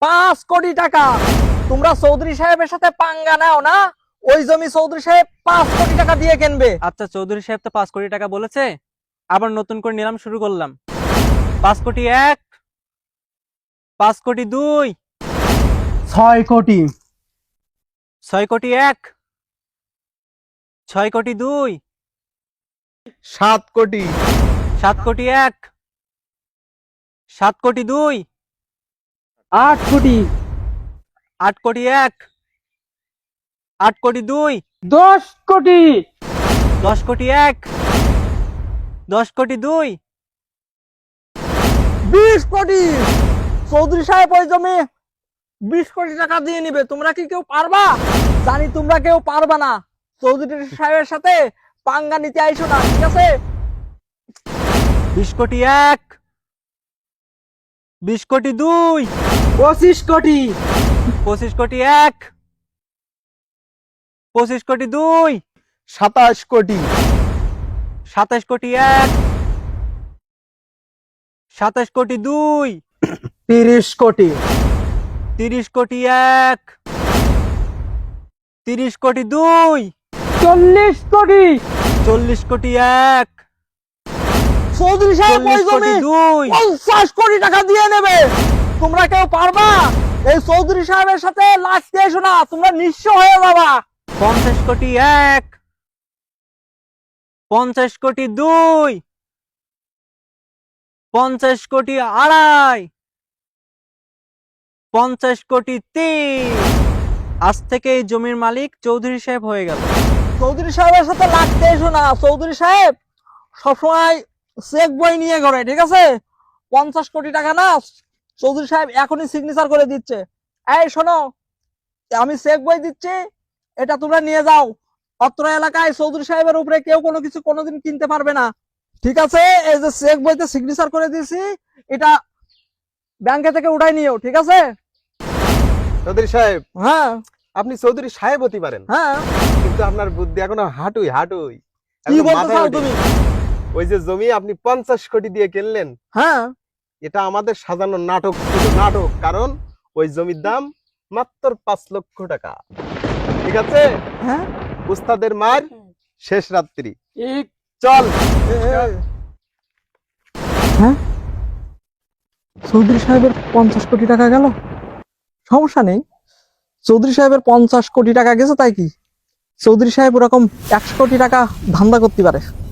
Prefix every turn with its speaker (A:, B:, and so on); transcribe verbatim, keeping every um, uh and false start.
A: পাঁচ কোটি টাকা। তোমরা চৌধুরী সাহেবের সাথে পাঙ্গা নাও না, ওই জমি চৌধুরী সাহেব পাঁচ কোটি টাকা দিয়ে কিনবে।
B: আচ্ছা, চৌধুরী সাহেব তো পাঁচ কোটি টাকা বলেছে, আবার নতুন করে নিলাম শুরু করলাম। পাঁচ কোটি এক, পাঁচ কোটি দুই,
A: ছয় কোটি,
B: ছয় কোটি এক, ছয় কোটি দুই,
C: সাত কোটি,
B: সাত কোটি এক, সাত কোটি দুই,
A: আট কোটি,
B: আট কোটি এক, আট কোটি দুই,
A: দশ কোটি,
B: দশ কোটি এক, দশ কোটি দুই,
A: বিশ কোটি। চৌধুরী সাহেব ওই জমি বিশ কোটি টাকা দিয়ে নিবে। তোমরা কি কেউ পারবা? জানি তোমরা কেউ পারবা না। চৌধুরী সাহেবের সাথে পাঙ্গা নিতে আইসো না, ঠিক আছে?
B: বিশ কোটি এক, বিশ কোটি দুই,
A: পঁচিশ কোটি,
B: পঁচিশ কোটি এক, পঁচিশ কোটি দুই,
C: সাতাশ কোটি,
B: সাতাশ কোটি এক, সাতাশ কোটি দুই,
A: তিরিশ কোটি,
B: তিরিশ কোটি এক, তিরিশ কোটি দুই,
A: চল্লিশ কোটি।
B: চল্লিশ কোটি এক,
A: চৌধুরী সাহেব ওই
B: চল্লিশ কোটি
A: জমি
B: দুই,
A: পঞ্চাশ কোটি টাকা দিয়ে নেবে। তোমরা কেউ পারবা? এই চৌধুরী সাহেবের সাথে লাগতে এসো না, তোমরা নিঃস্ব হয়ে যাবা।
B: পঞ্চাশ কোটি এক, পঞ্চাশ কোটি দুই, পঞ্চাশ কোটি আড়াই, পঞ্চাশ কোটি তিন। আজ থেকে এই জমির মালিক চৌধুরী সাহেব হয়ে গেল।
A: চৌধুরী সাহেবের সাথে লাগতে এসো না। চৌধুরী সাহেব সবসময় চেক বই নিয়ে ঘরে, ঠিক আছে? পঞ্চাশ কোটি টাকা না, চৌধুরী সাহেব এখনই সিগনেচার করে দিচ্ছে। এই শোনো, আমি চেক বই দিচ্ছি, এটা তোমরা নিয়ে যাও। অত্র এলাকায় চৌধুরী সাহেবের উপরে কেউ কোনো কিছু কোনোদিন কিনতে পারবে না, ঠিক আছে? এই যে চেক বইতে সিগনেচার করে দিয়েছি, এটা ব্যাংকে থেকে উঠাই নিও, ঠিক আছে?
C: চৌধুরী সাহেব,
A: হ্যাঁ
C: আপনি চৌধুরী সাহেব হতে পারেন,
A: হ্যাঁ।
C: কিন্তু আপনার বুদ্ধি এখনো হাঁটুই হাঁটুই।
A: কি
C: একদম
A: বলতে
C: মাথায়
A: চাও
C: ওঠেনি।
A: তুমি?
C: ওই যে জমি আপনি পঞ্চাশ কোটি দিয়ে কিনলেন,
A: হ্যাঁ,
C: এটা আমাদের সাজানো নাটক ছিল, নাটক। কারণ ওই জমির দাম মাত্র পাঁচ লক্ষ টাকা, ঠিক আছে?
A: হ্যাঁ।
C: উস্তাদের মার শেষ রাত্রি।
A: এক
C: চল।
A: হ্যাঁ, চৌধুরী সাহেবের পঞ্চাশ কোটি টাকা গেল। সমস্যা নেই, চৌধুরী সাহেবের পঞ্চাশ কোটি টাকা গেছে তাই কি? চৌধুরী সাহেব ওরকম একশো কোটি টাকা ধান্দা করতে পারে।